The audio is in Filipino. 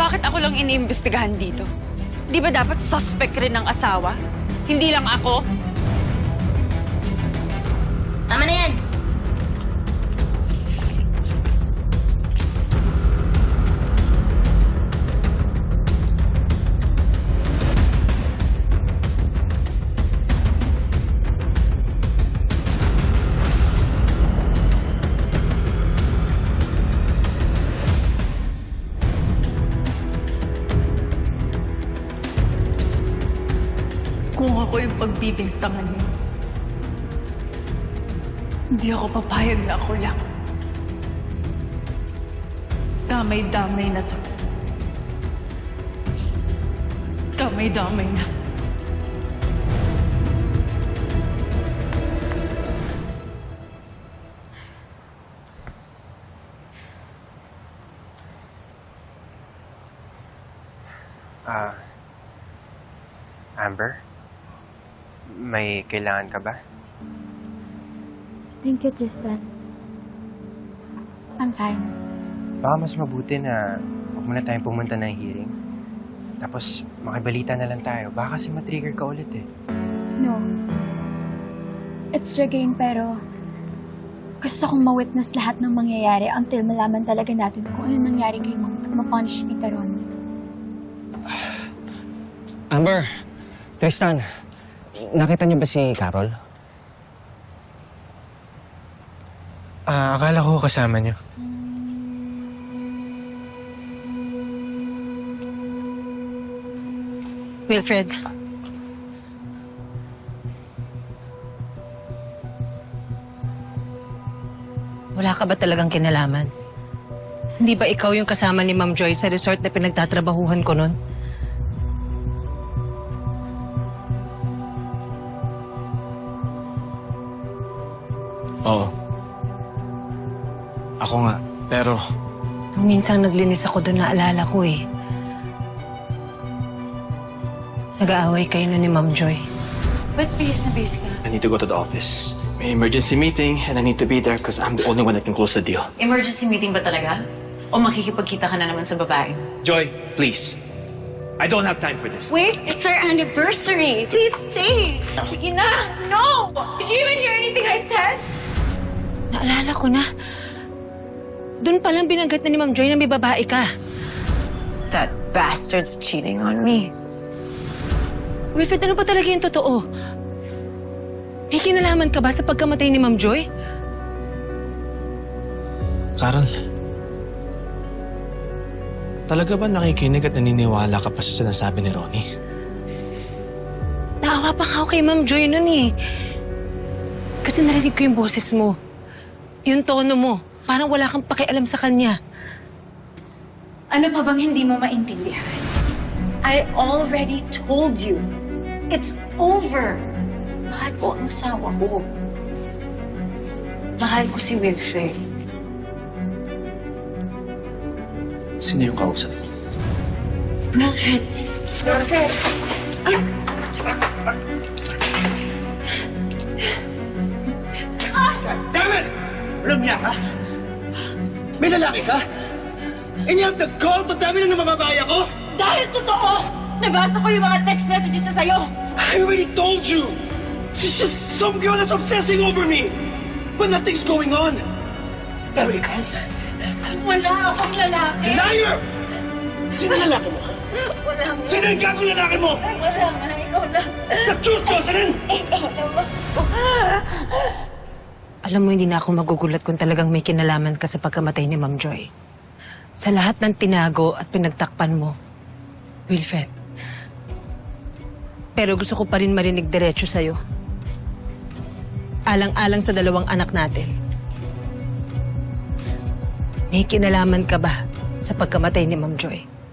Bakit ako lang iniimbestigahan dito? Di ba dapat suspect rin ng asawa? Hindi lang ako? Tama na yan! Kung ako yung pagbibintangan mo, hindi ako papayag na ako lang. Damay-damay na to. Damay-damay na. Amber? May kailangan ka ba? Thank you, Tristan. I'm fine. Baka mas mabuti na huwag muna tayong pumunta ng hearing. Tapos makibalita na lang tayo. Baka kasi matrigger ka ulit eh. No. It's triggering pero gusto kong ma-witness lahat ng mangyayari until malaman talaga natin kung ano nangyari kay Mom at ma-punish si Tita Ronnie. Amber, Tristan, nakita niyo ba si Carol? Akala ko kasama niyo. Wilfred. Wala ka ba talagang kinalaman? Hindi ba ikaw yung kasama ni Ma'am Joy sa resort na pinagtatrabahuhan ko nun? Oo. Ako nga, pero Nung minsan naglinis ako doon, naalala ko eh. Nag-aaway kayo nun ni Ma'am Joy. Ba't bihis na bihis ka? I need to go to the office. May emergency meeting and I need to be there because I'm the only one that can close the deal. Emergency meeting ba talaga? O makikipagkita ka na naman sa babae? Joy, please. I don't have time for this. Wait, it's our anniversary. Please stay. Sige na. No! Did you even hear anything I said? Naalala ko na. Doon palang binanggat na ni Ma'am Joy na may babae ka. That bastard's cheating on me. Wilfred, ano ba talaga yung totoo? May kinalaman ka ba sa pagkamatay ni Ma'am Joy? Carol, talaga ba nakikinig at naniniwala ka pa sa sinasabi ni Ronnie? Naawa pa nga ako kay Ma'am Joy nun eh. Kasi narinig ko yung boses mo. Yung tono mo. Parang wala kang pakialam sa kanya. Ano pa bang hindi mo maintindihan? I already told you. It's over. Mahal ko ang asawa ko. Mahal ko si Wilfred. Sino yung kausap mo? Wilfred! Wilfred! Damn it! Walang niya ka? May lalaki ka? And you have the gall to tell me na namababaya ko? Dahil totoo! Nabasa ko yung mga text messages na sa'yo! I already told you! She's just some girl that's obsessing over me! But nothing's going on! Pero ikaw, Wala akong lalaki! liar! Sino yung lalaki mo? Wala mo. Sino yung gagong lalaki mo? Wala nga, ikaw lang. The truth, Jocelyn! Ikaw naman. Alam mo, hindi na ako magugulat kung talagang may kinalaman ka sa pagkamatay ni Ma'am Joy. Sa lahat ng tinago at pinagtakpan mo, Wilfred. Pero gusto ko pa rin marinig diretso sa'yo. Alang-alang sa dalawang anak natin. May kinalaman ka ba sa pagkamatay ni Ma'am Joy?